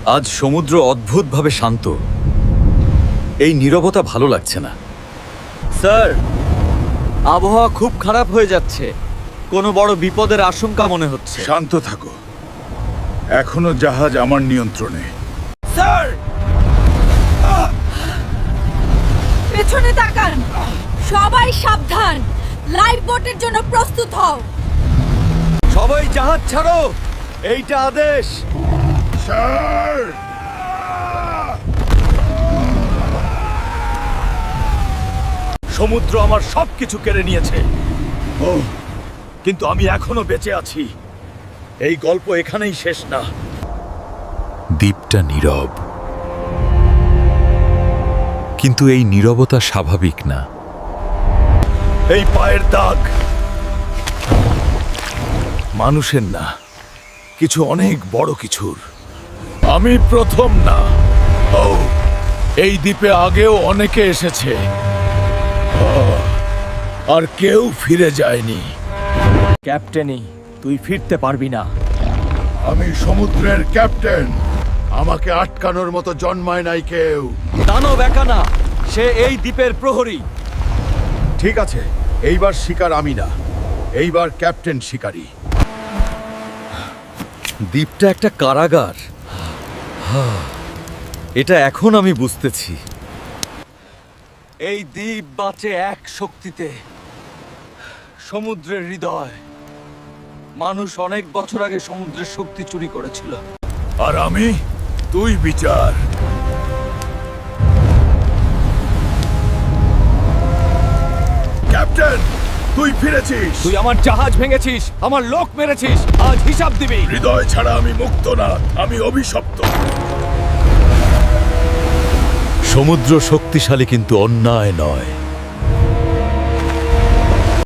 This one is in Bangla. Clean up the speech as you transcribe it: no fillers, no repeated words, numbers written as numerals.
আজ সমুদ্র অদ্ভুতভাবে শান্ত। এই নীরবতা ভালো লাগছে না। স্যার, আবহাওয়া খুব খারাপ হয়ে যাচ্ছে। কোনো বড় বিপদের আশঙ্কা মনে হচ্ছে। শান্ত থাকো, এখনো জাহাজ আমার নিয়ন্ত্রণে। স্যার, পেছনে তাকান। সবাই সাবধান। লাইফ বোটের জন্য প্রস্তুত হও। সবাই জাহাজ ছাড়ো, এইটা আদেশ। স্যার, সমুদ্র আমার সবকিছু কেড়ে নিয়েছে, কিন্তু আমি এখনো বেঁচে আছি। এই গল্প এখানেই শেষ না। দ্বীপটা নীরব, কিন্তু এই নীরবতা স্বাভাবিক না। এই পায়ের দাগ মানুষের না, কিছু অনেক বড় কিছুর। আমি প্রথম না। ও, এই দ্বীপে আগেও অনেকে এসেছে, আর কেউ ফিরে যায়নি। ক্যাপ্টেনই, তুই ফিরতে পারবি না। আমি সমুদ্রের ক্যাপ্টেন। আমাকে আটকানোর মতো জন্মায় নাই কেউ। দানব একা না, সে এই দ্বীপের প্রহরী। ঠিক আছে, এইবার শিকার আমি না, এইবার ক্যাপ্টেন শিকারী। দ্বীপটা একটা কারাগার। এটা এখন আমি বুঝতেছি। এই দ্বীপ বাঁচে এক শক্তিতে, সমুদ্রের হৃদয়। মানুষ অনেক বছর আগে সমুদ্রের শক্তি চুরি করেছিল। আর আমি, তুই বিচার। ক্যাপ্টেন, তুই ফিরেছিস। তুই আমার জাহাজ ভেঙেছিস, আমার লোক মেরেছিস, আজ হিসাব দিবি। হৃদয় ছাড়া আমি মুক্ত না, আমি অভিশপ্ত। সমুদ্র শক্তিশালী, কিন্তু অন্যায় নয়।